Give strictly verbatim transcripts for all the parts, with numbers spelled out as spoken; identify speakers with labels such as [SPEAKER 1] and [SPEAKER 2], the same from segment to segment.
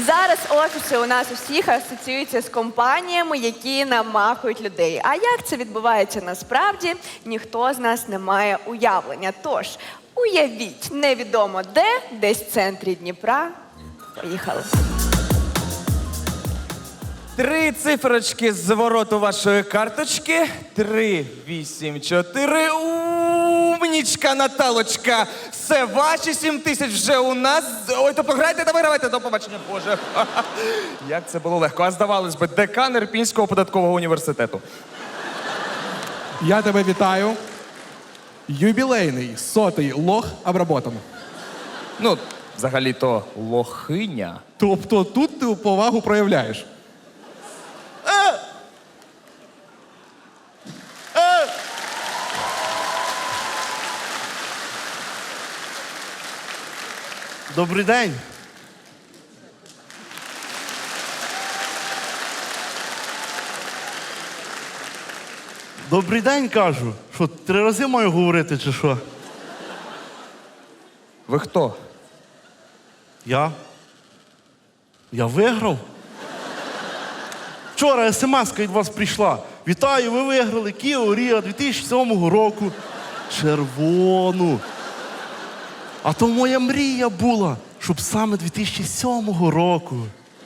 [SPEAKER 1] Зараз офіси у нас усіх асоціюються з компаніями, які намахують людей. А як це відбувається насправді, ніхто з нас не має уявлення. Тож, уявіть, невідомо де, десь в центрі Дніпра. Поїхали.
[SPEAKER 2] Три цифрочки з звороту вашої карточки. Три, вісім, чотири. Умнічка, Наталочка. Все, ваші сім тисяч вже у нас. Ой, то пограйте та вигравайте. До побачення, Боже. Як це було легко. А здавалось би, декан Ірпінського податкового університету.
[SPEAKER 3] Я тебе вітаю. Юбілейний сотий лох обработан.
[SPEAKER 2] Ну, взагалі-то лохиня.
[SPEAKER 3] Тобто тут ти повагу проявляєш.
[SPEAKER 4] Добрий день. Добрий день, кажу. Що, три рази маю говорити, чи що?
[SPEAKER 2] Ви хто?
[SPEAKER 4] Я? Я виграв? Вчора смс-ка від вас прийшла. Вітаю, ви виграли Kia Rio дві тисячі сьомого року. Червону. А то моя мрія була, щоб саме дві тисячі сьомого року.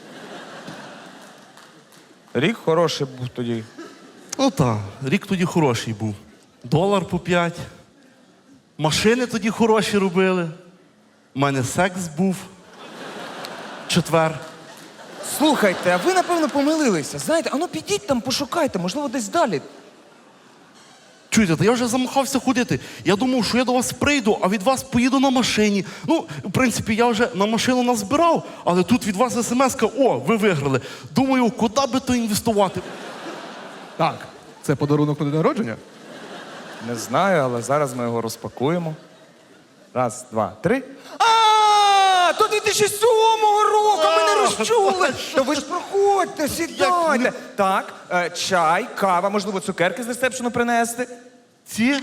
[SPEAKER 2] Рік хороший був тоді.
[SPEAKER 4] Ну так, рік тоді хороший був. Долар по п'ять. Машини тоді хороші робили. У мене секс був. Четвер.
[SPEAKER 2] Слухайте, а ви, напевно, помилилися. Знаєте, а ну підіть там, пошукайте, можливо, десь далі.
[SPEAKER 4] Чуєте, та я вже замахався ходити. Я думав, що я до вас прийду, а від вас поїду на машині. Ну, в принципі, я вже на машину назбирав, але тут від вас смс-ка, о, ви виграли. Думаю, куди би то інвестувати?
[SPEAKER 3] Так, це подарунок на день народження?
[SPEAKER 2] Не знаю, але зараз ми його розпакуємо. Раз, два, три. А, то дві тисячі сьомого року, ми не розчули. То ви ж проходьте, сідайте. Так, е, чай, кава, можливо, цукерки з ресепшену принести.
[SPEAKER 4] Ці?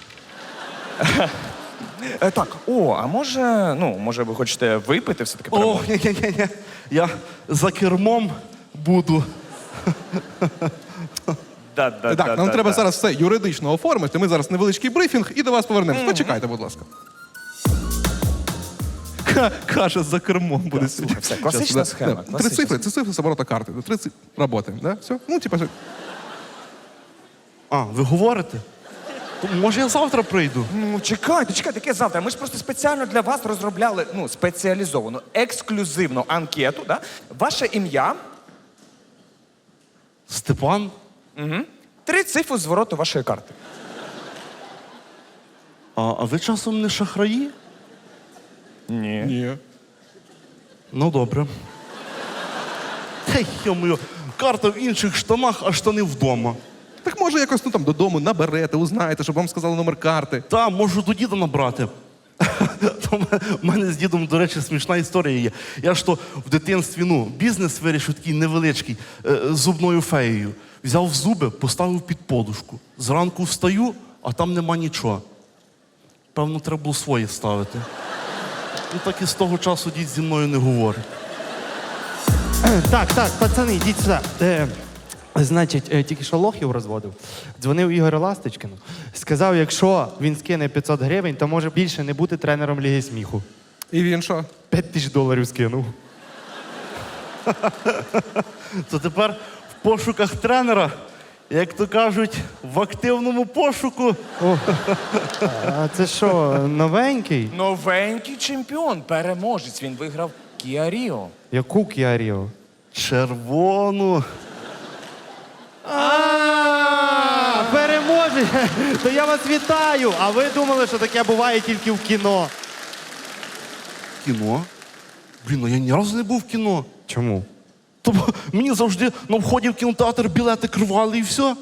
[SPEAKER 2] Е, так, о, а може, ну, може ви хочете випити все-таки?
[SPEAKER 4] О,
[SPEAKER 2] перемогу?
[SPEAKER 4] ні-ні-ні. Я за кермом буду.
[SPEAKER 2] Да, да,
[SPEAKER 3] Так,
[SPEAKER 2] да,
[SPEAKER 3] нам
[SPEAKER 2] да,
[SPEAKER 3] треба
[SPEAKER 2] да.
[SPEAKER 3] зараз все юридично оформити. Ми зараз невеличкий брифінг і до вас повернемось. Почекайте, будь ласка. Ка- Каже, за кермом буде
[SPEAKER 2] слухай, все, класична
[SPEAKER 3] Щас,
[SPEAKER 2] схема,
[SPEAKER 3] да. Три
[SPEAKER 2] класична
[SPEAKER 3] цифри, це цифри з оборота карти. Три цифри роботи, да? Все? Ну, типа, ж-
[SPEAKER 4] А, ви говорите? То, може, я завтра прийду?
[SPEAKER 2] Ну, чекайте, чекайте, яке завтра? Ми ж просто спеціально для вас розробляли, ну, спеціалізовану, ексклюзивну анкету, да? Ваше ім'я,
[SPEAKER 4] Степан?
[SPEAKER 2] три цифри з вороту вашої карти.
[SPEAKER 4] А, а ви часом не шахраї?
[SPEAKER 2] Ні.
[SPEAKER 3] Ні.
[SPEAKER 4] Ну, добре. Хей, йо-моє, карта в інших штанах, а штани вдома.
[SPEAKER 3] Так може якось ну, там, додому наберете, узнаєте, щоб вам сказали номер карти.
[SPEAKER 4] Та, можу до діда набрати. То в мене з дідом, до речі, смішна історія є. Я ж то в дитинстві, ну, бізнес вирішив такий невеличкий, е, з зубною феєю. Взяв зуби, поставив під подушку. Зранку встаю, а там нема нічого. Певно, треба було свої ставити. І так і з того часу дід зі мною не говорить.
[SPEAKER 5] Так, так, пацани, йдіть сюди. Е, значить, е, тільки що лохів розводив. Дзвонив Ігор Ласточкину. Сказав, якщо він скине п'ятсот гривень, то може більше не бути тренером Ліги сміху.
[SPEAKER 3] І він що?
[SPEAKER 5] п'ять тисяч доларів скинув.
[SPEAKER 4] То тепер в пошуках тренера, як то кажуть, в активному пошуку.
[SPEAKER 5] А це що, новенький?
[SPEAKER 2] Новенький чемпіон, переможець. Він виграв Kia Rio.
[SPEAKER 5] Яку Кіаріо?
[SPEAKER 4] Червону.
[SPEAKER 5] А, переможець! То я вас вітаю! А ви думали, що таке буває тільки в кіно?
[SPEAKER 4] Кіно? Блін, ну я ні разу не був в кіно.
[SPEAKER 5] Чому?
[SPEAKER 4] Тобто мені завжди на вході в кінотеатр білети кривали і все.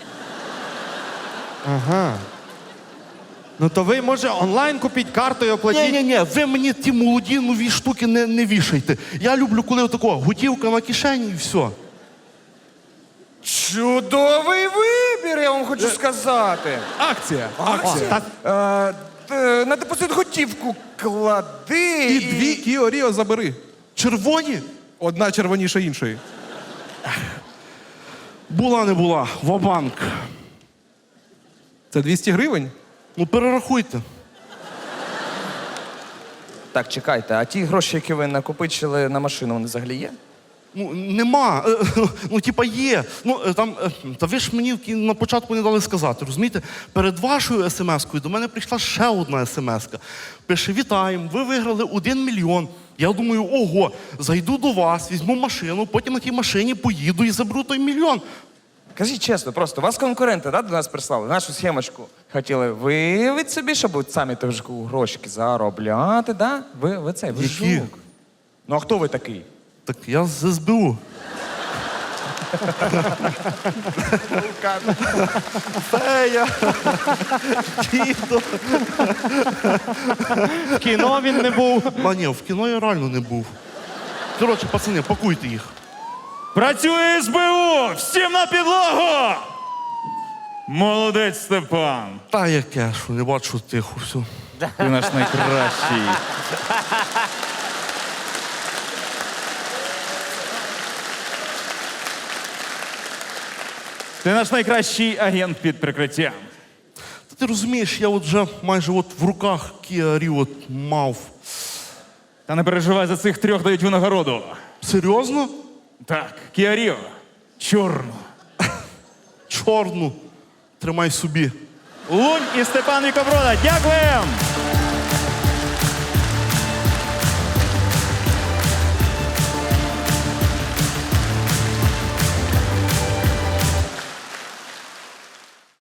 [SPEAKER 5] Ага. Ну то ви, може, онлайн купіть карту і оплатіть?
[SPEAKER 4] Ні-ні-ні, ви мені ті молоді нові штуки не, не вішайте. Я люблю, коли отако, готівка на кишені і все.
[SPEAKER 2] Чудовий вибір, я вам хочу сказати.
[SPEAKER 3] Акція.
[SPEAKER 2] Акція. Е, д- на депозит готівку клади.
[SPEAKER 3] І дві Кіо Ріо забери.
[SPEAKER 4] Червоні?
[SPEAKER 3] Одна червоніша іншої.
[SPEAKER 4] Була не була, ва-банк.
[SPEAKER 3] Це двісті гривень?
[SPEAKER 4] Ну перерахуйте.
[SPEAKER 2] Так, чекайте, а ті гроші, які ви накопичили на машину, вони взагалі є?
[SPEAKER 4] Ну, нема. Е, Ну, типа, є. Ну, е, там, е, та ви ж мені в кі- на початку не дали сказати, розумієте? Перед вашою смс-кою до мене прийшла ще одна смс-ка. Пише: вітаємо, ви виграли один мільйон. Я думаю, ого, зайду до вас, візьму машину, потім на тій машині поїду і заберу той мільйон.
[SPEAKER 2] Кажіть чесно, просто вас конкуренти да, до нас прислали, нашу схемочку. Хотіли виявити собі, щоб от самі теж грошики заробляти, да? Ви, ви цей, ви
[SPEAKER 4] Які?
[SPEAKER 2] жук. Ну а хто ви такий?
[SPEAKER 4] Так я з ес бе у. Фея. Дідо.
[SPEAKER 5] В кіно він не був.
[SPEAKER 4] А ні, в кіно я реально не був. Коротше, пацани, пакуйте їх.
[SPEAKER 6] Працює ес бе у! Всім на підлогу! Молодець, Степан!
[SPEAKER 4] Та яке, що не бачу тихо, все.
[SPEAKER 6] Ти наш найкращий. Ти наш найкращий агент під прикриттям.
[SPEAKER 4] Та ти розумієш, я от вже майже от в руках Kia Rio от мав.
[SPEAKER 6] Та не переживай, за цих трьох дають винагороду.
[SPEAKER 4] Серйозно?
[SPEAKER 6] Так, Kia Rio. Чорну.
[SPEAKER 4] Чорну. Тримай собі.
[SPEAKER 6] Лунь і Степан Вікоброда. Дякуємо!